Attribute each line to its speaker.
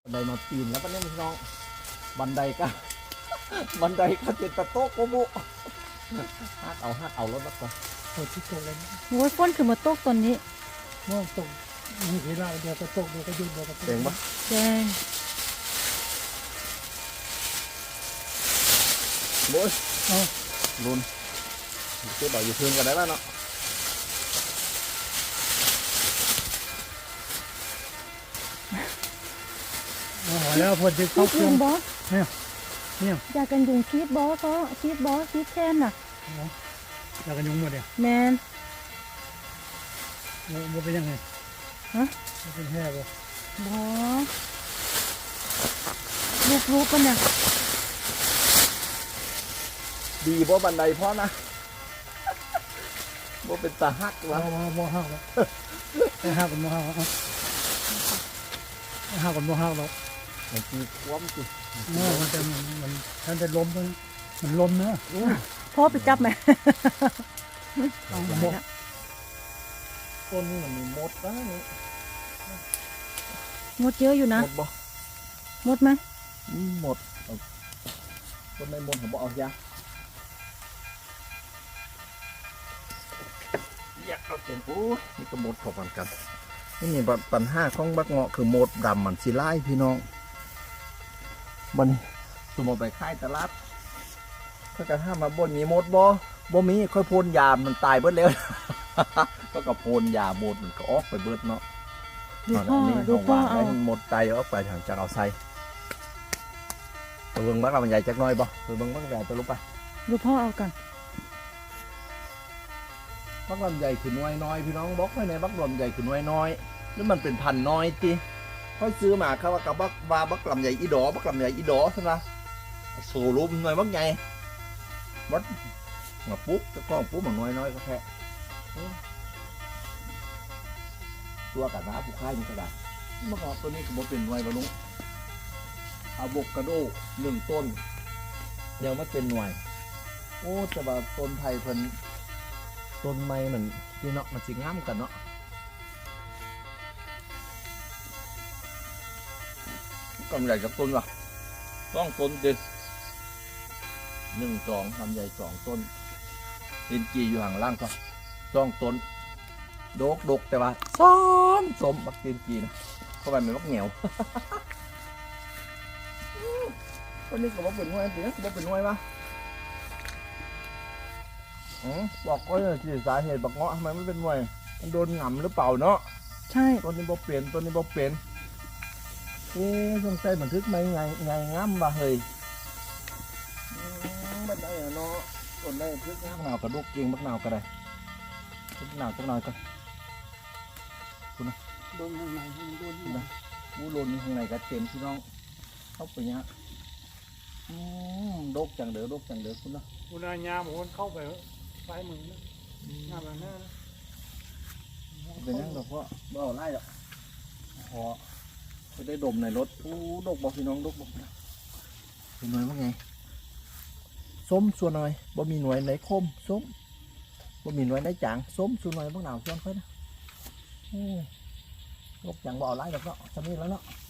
Speaker 1: บันไดมาปีนแล้วปันนี้พี่น้องบันไดก็ บันไดก็เจ็ดตะโต๊ะโกบุฮักเอารถแล้วก็เปิดที่ตรงเลย
Speaker 2: โอ้ยฝนคือมาตกตอนนี้
Speaker 3: เมื่อตกมีเวลาเดียวก็ตกเดียวก็หยุดเดียวก็ตก
Speaker 1: เจ๋งปะ
Speaker 2: แดง
Speaker 1: โบ้ยเอาลุนเจ๊บอกอยู่พื้นกันได้แล้วเนาะ
Speaker 3: เอาแล้วพอจะ
Speaker 2: คิ
Speaker 3: เข้า
Speaker 2: ด
Speaker 3: เครื่
Speaker 2: ยุ
Speaker 3: อง
Speaker 2: งบอส
Speaker 3: เนี่ย
Speaker 2: อยากกันยุงคิดบอสก็คิดบอสคิดแทนน่ะ
Speaker 3: แล้วกันยุงหมดเนี่ย
Speaker 2: แมน
Speaker 3: มันเป็นยังไง
Speaker 2: ฮะ
Speaker 3: มันเป็นแห่บ่
Speaker 2: บอสลูกกันเนี่ย
Speaker 1: ดีบ่บันไดเพราะนะ บ่เป็นตาฮักวะ
Speaker 3: บ่ห้าวแล้วห้าวกันบ่ห้าวห้าวกันบ่ห้าวแล้ว
Speaker 1: มันมีความสิ
Speaker 3: มันจะล้มมันล้มนะ
Speaker 2: พ่อไปจับไหม
Speaker 3: เอาหมด
Speaker 1: ต้นนี้มันมีมดนะนี่
Speaker 2: มดเยอะอยู่นะ
Speaker 1: มดบ่
Speaker 2: มดไหม
Speaker 1: หมดเอาต้นในมดผมบอกเอายาอยากเอาเต็มโอ้ยนี่ก็หมดพอกันนี่มีปัญหาของบักเงาะคือหมดดำมันสิไล่พี่น้องมันสมมติไปค่ายตลาดเขาจะห้ามมาบนมีหมดบ่มีค่อยพ่นยามันตายเบิดแล้ว ก็กับพ่นยาหมดมันก็ออกไปเบิดเนาะ
Speaker 2: ดูพ่อ
Speaker 1: นี่
Speaker 2: ดู
Speaker 1: เขา
Speaker 2: พ่อ
Speaker 1: วาง
Speaker 2: เอา
Speaker 1: ไว้หมดไตออกไปทางจากเอาใส่ตัวเบิ้งบักเรามันใหญ่จักหน้อยบ่ตัวเบิ้งบักใหญ่ตัวลุกไป
Speaker 2: ดูพ่อเอากัน
Speaker 1: บักลำใหญ่คือน้อยน้อยพี่น้องบอกไว้ในบักลำใหญ่คือน้อยน้อยหรือมันเป็นพันน้อยติค่อยซื้อมาเขาว่ากับบักลำใหญ่อีดอบักลำใหญ่อีดอใช่ไหมโซลุมหน่อยบักใหญ่บัดมาปุ๊บจะกล้องปุ๊บมันน้อยน้อยก็แค่ตัวกับน้าผู้ค่ายมันก็ได้เมื่อก่อนตัวนี้ก็บ่เป็นไว้บรรลุอะโวคาโด1 ต้นยังไม่เป็นหน่วยโอ้แต่ว่าต้นไทยเพิ่นต้นไม้เหมือนที่เนาะมันสิงามกันเนาะกำใหญ่กับต้นวะต้องต้นเด็ด1 2ลำใหญ่2 ต้นเอ็นจีอยู่ห่างล่างก็2 ต้นดกแต่ว่าสมบักเอ็นจีนะเข้าไปมันบักเหนียว ต้นนี้ก็บอกเป็นห้วยสิบอกเป็นห้วยปะบอกก็เลยที่สาเหตุบักเงาะทำไมไม่เป็นห้วยมันโดนหง่ำหรือเปล่าเนาะ
Speaker 2: ใช่
Speaker 1: ต้นนี้บอกเปลี่ยนต้นนี้บอกเปลี่ยนสงสัยบันทึกไหมไงงามบ่เฮ้ยบันไดอะเนาะต้นได้ทึกงามหนาวกระดูกเกียงบักหนาวก็ได้ทึกหนาวจักหน่อยก็
Speaker 3: โดนข้างในโดน
Speaker 1: นะวูโรนข้างในก็เต็มพี่น้องเข้าไปเนี้ยดกจังเด้อคุณนะ
Speaker 3: คุณอายามคนเข้าไปซ้ายมือนะงามแบบนั้น
Speaker 1: เป็นยังดอกเพราะบ่เอาไล่หรอกพอจะได้ดมในรถดกบอกพี่น้องดกบอกเป็นหน่วยว่าไงส้มส่วนหน่อยบ่มีหน่วยไหนคมส้มบ่มีหน่วยไหนจางส้มส่วนหน่อยบ้างหนาวส่วนค่อยนะดกจังบ่เอาไล่หรอกเนาะจะมีแล้วเนาะ